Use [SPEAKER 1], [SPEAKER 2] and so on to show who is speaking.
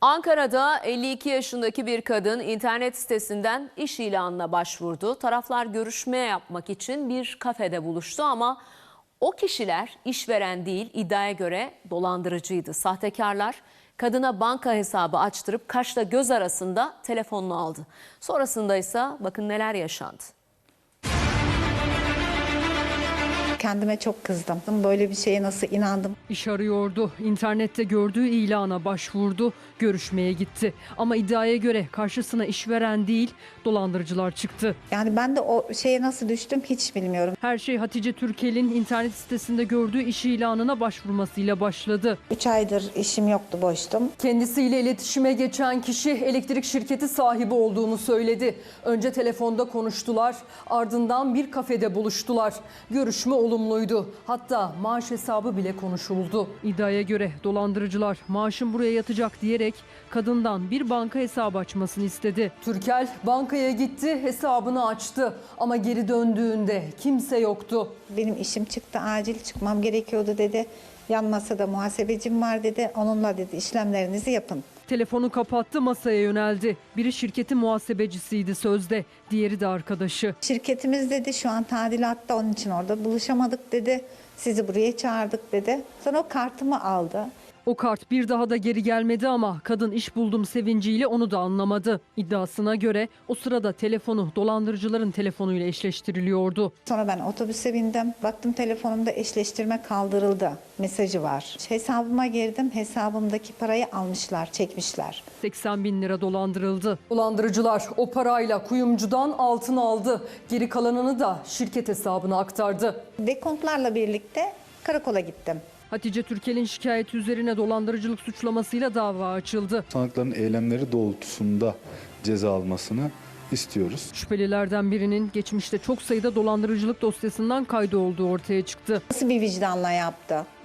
[SPEAKER 1] Ankara'da 52 yaşındaki bir kadın internet sitesinden iş ilanına başvurdu. Taraflar görüşme yapmak için bir kafede buluştu ama o kişiler işveren değil, iddiaya göre dolandırıcıydı. Sahtekarlar kadına banka hesabı açtırıp kaşla göz arasında telefonunu aldı. Sonrasında ise bakın neler yaşandı.
[SPEAKER 2] Kendime çok kızdım. Böyle bir şeye nasıl inandım?
[SPEAKER 3] İş arıyordu. İnternette gördüğü ilana başvurdu. Görüşmeye gitti. Ama iddiaya göre karşısına işveren değil, dolandırıcılar çıktı.
[SPEAKER 2] Yani ben de o şeye nasıl düştüm hiç bilmiyorum.
[SPEAKER 3] Her şey Hatice Türkel'in internet sitesinde gördüğü iş ilanına başvurmasıyla başladı.
[SPEAKER 2] 3 aydır işim yoktu, boştum.
[SPEAKER 3] Kendisiyle iletişime geçen kişi elektrik şirketi sahibi olduğunu söyledi. Önce telefonda konuştular, ardından bir kafede buluştular. Görüşme olumluydu. Hatta maaş hesabı bile konuşuldu. İddiaya göre dolandırıcılar maaşın buraya yatacak diyerek kadından bir banka hesabı açmasını istedi. Türkel bankaya gitti, hesabını açtı ama geri döndüğünde kimse yoktu.
[SPEAKER 2] Benim işim çıktı, acil çıkmam gerekiyordu dedi. Yan masada muhasebecim var dedi. Onunla dedi işlemlerinizi yapın.
[SPEAKER 3] Telefonu kapattı, masaya yöneldi. Biri şirketin muhasebecisiydi sözde, diğeri de arkadaşı.
[SPEAKER 2] Şirketimiz dedi şu an tadilatta, onun için orada buluşamadık dedi. Sizi buraya çağırdık dedi. Sonra o kartımı aldı.
[SPEAKER 3] O kart bir daha da geri gelmedi ama kadın iş buldum sevinciyle onu da anlamadı. İddiasına göre o sırada telefonu dolandırıcıların telefonuyla eşleştiriliyordu.
[SPEAKER 2] Sonra ben otobüse bindim. Baktım telefonumda eşleştirme kaldırıldı mesajı var. Hesabıma girdim. Hesabımdaki parayı almışlar, çekmişler.
[SPEAKER 3] 80 bin lira dolandırıldı. Dolandırıcılar o parayla kuyumcudan altın aldı. Geri kalanını da şirket hesabına aktardı.
[SPEAKER 2] Dekontlarla birlikte karakola gittim.
[SPEAKER 3] Hatice Türkel'in şikayeti üzerine dolandırıcılık suçlamasıyla dava açıldı.
[SPEAKER 4] Sanıkların eylemleri doğrultusunda ceza almasını istiyoruz.
[SPEAKER 3] Şüphelilerden birinin geçmişte çok sayıda dolandırıcılık dosyasından kaydı olduğu ortaya çıktı.
[SPEAKER 2] Nasıl bir vicdanla yaptı?